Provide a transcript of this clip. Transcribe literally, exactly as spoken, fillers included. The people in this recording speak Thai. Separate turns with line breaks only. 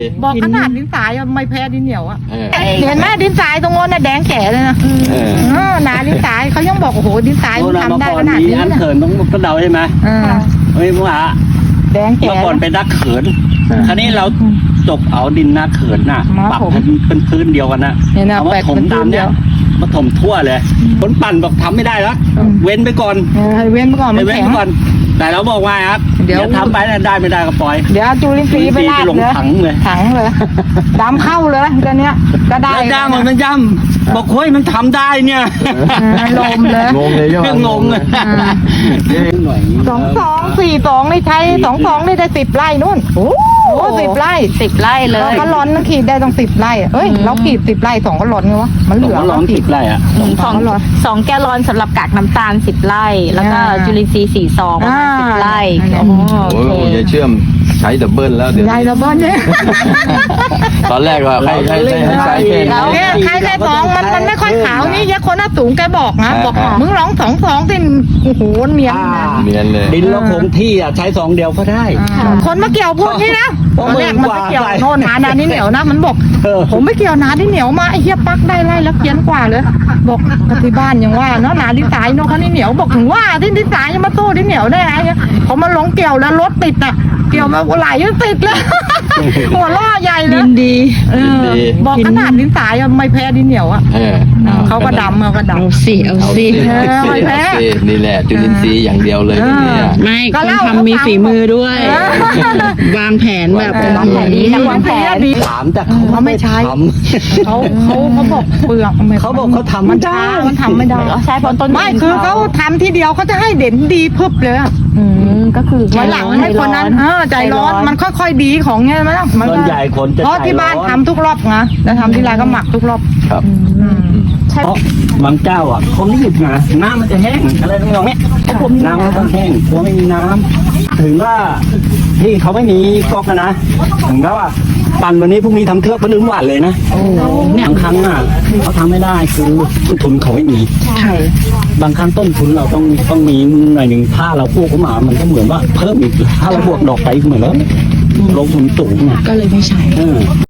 บอกขนาดดินทรายอะไม่แพ้ดินเหนียวอะ
เออ
เห็นไหมดินทรายตรงโน้นน่ะแดงแก่เลยนะ
เออ
เออหนาดินทรายเขายังบอกโอ้โหดินทรายมันทำได้ขนาด
มี
นี้
อัน
นะ
เขินต้องกระเดาใช่ไหม
เออ
เฮ้ยมึงอ่ะ
แดงแก่
เมื่อก่อนเป็นนักเขินคราวนี้เราจบเอาดินนักเขินน่ะ
มา
ปรับ
ผม
ให้เป็นพื้นเดียวกันนะ
เนี่ยนะ
เอามา
แปลก
ถม
เป็นพื้
ตาม
นเดี
เนี้
ย
ยว มาถมทั่วเลยคนปั่นบอกทำไม่ได้แล้ว
อืม
เว้นไปก่อน
เออให้เว้นไปก่อนมัน
เว้น
แข็ง
ไปก่อน แต่เราบอกว่าครับ
เดี๋ยว
ทำไปนะได้ไม่ได้ก็ปล่อย
เดี๋ยวเอาจูลินทรีย์ไปลาด
ลง
เลย
ถังเลย
ถังเลยดำเข้าเลยตอนเนี้ยก็ได้
แล้วย่ามันมันย่ำบอกเฮ้ยมันทำได้เนี่ย
เออลมเลย
งงเลยใช่ไหม
งงเลยหน่อย
สองสองสี่สองนี่ใช้สองสองนี่ได้สิบไร่นู่นโอ้โหสิบไร่
สิบไร่เล
เรา
ย
ก็ร้อนนะขีดได้ต้องสิบไร่อะเอ้ยเราขีดสิบไร่สองก็ร้อนไงวะมันเห
สอ
ลื
ง
อ
ก็ร้องติดไรอ่ะ
สองสองแกลลอนสำหรับกากน้ำตาลสิบไร่ แล้วก็
อ่า
จุลินทรีย์สี่ซองประมาณสิบไร่
อ่า
โอ้โห
โอ้
โอย เค
ยายเชื่อมใช้ดับเบิลแล้วเดี๋ยว
ได้
นี้
แล้วบ้านเนี่ย
ตอนแรกว่าใครใครใช้ให้ใช้แค่
เรา
นี้
เนี่ยใครได้สองมันมันไม่ค่อยขาวนี่ยะคนหน้าสูงแกบอกนะ
อ่า
บอก
อ่ามึ
มึงร้องสองสองสิโอ้โหเนียนนะ
เนียนเลย
ดินเราคงที่อ่ะใช้สองเดียวก็ได้
อ่าคนมาเกี่ยวพวกนี้นะ
เพ
ต
ราะ
อนแรกมันไปเกี่ยว
มึงกว่า
โน่นหานานี่เหนียวนะมันบอก
เออ
ผมไม่เกี่ยวนาที่เหนียวมาไอ้เหี้ยปักได้ไล่แล้วเพี้ยนกว่าเลย บอกกับที่บ้านยังว่าเนาะนาดินสายเนาะเขานี่เหนียวบอกถึงว่าที่ดินสายยังมาสู้ดินเหนียวได้ไงเนี่ยเขามาลงเกี่ยวแล้วรถติดอ่ะเกี่ยวมาไหลยังติดเลย หัวล้อใหญ่เลย
ดินดี
เออบอกขนาดดินสายอะไม่แพ้ดินเหนียวอ่ะ
เออ
เขาก็ดำเขาก็ดำ
เอาสิเอา
เอา
สิ
สิ
เออ
เอา
ไม่
สิ
แพ้
เอาสินี่แหละจุลินทรีย์อย่างเดียวเลยนะเนี่ย
ไม่
ก็
คน
เล่า
ทำมีฝีมือด้วย
เออ
วางแผนแบบ
วางแผน
ดีนะวางแผน
ดี
ถามแต่เขา
เขาไม่ใช้
ท
เขาเขาเขาบอกเปลือก
ำเขาบอกเขาทำ
มัน
ได้
ช้ามันทำไม่ได้
ใช้ผลต้น
ไม่คือเขาทำทีเดียวเขาจะให้เด่นดีพึบเลยอะ
อืมก็คือ
วันหลังให้คนนั้นเออใจร้อนมันค่อยๆดีของเงี้ยมั้ยล่ะมัน
ส่วนใหญ่คนจะ
เพราะที่บ้าน
ใจร้อ
ทำทุกรอบนะแล้วทำที่ไรก็หมักทุกรอบ
ครับ
อืม
ใช่
เพราะบางเจ้าอ่ะเขารีบนะน้ำมันจะแห้งอะไรทั้งนั้นเนี่ยน้ำมันต้องแห้งกลัวไม่มีน้ำถึงว่าที่เขาไม่มีก๊อกนะถึงก็ว่าปั่นวันนี้พรุ่งนี้ทำเทือกพนึงหวานเลยนะบางครั้งอ่ะเขาทำไม่ได้คือต้นทุนเขาไม่มี
ใช่
บางครั้งต้นทุนเราต้องต้องมีหน่อยหนึ่งถ้าเราพูดเข้ามามันก็เหมือนว่าเพิ่มอีกถ้าเราบวกดอกไปเหมือนแล้วลงทุนสูงอ่ะ
ก็เลยไม่ใช่
เออ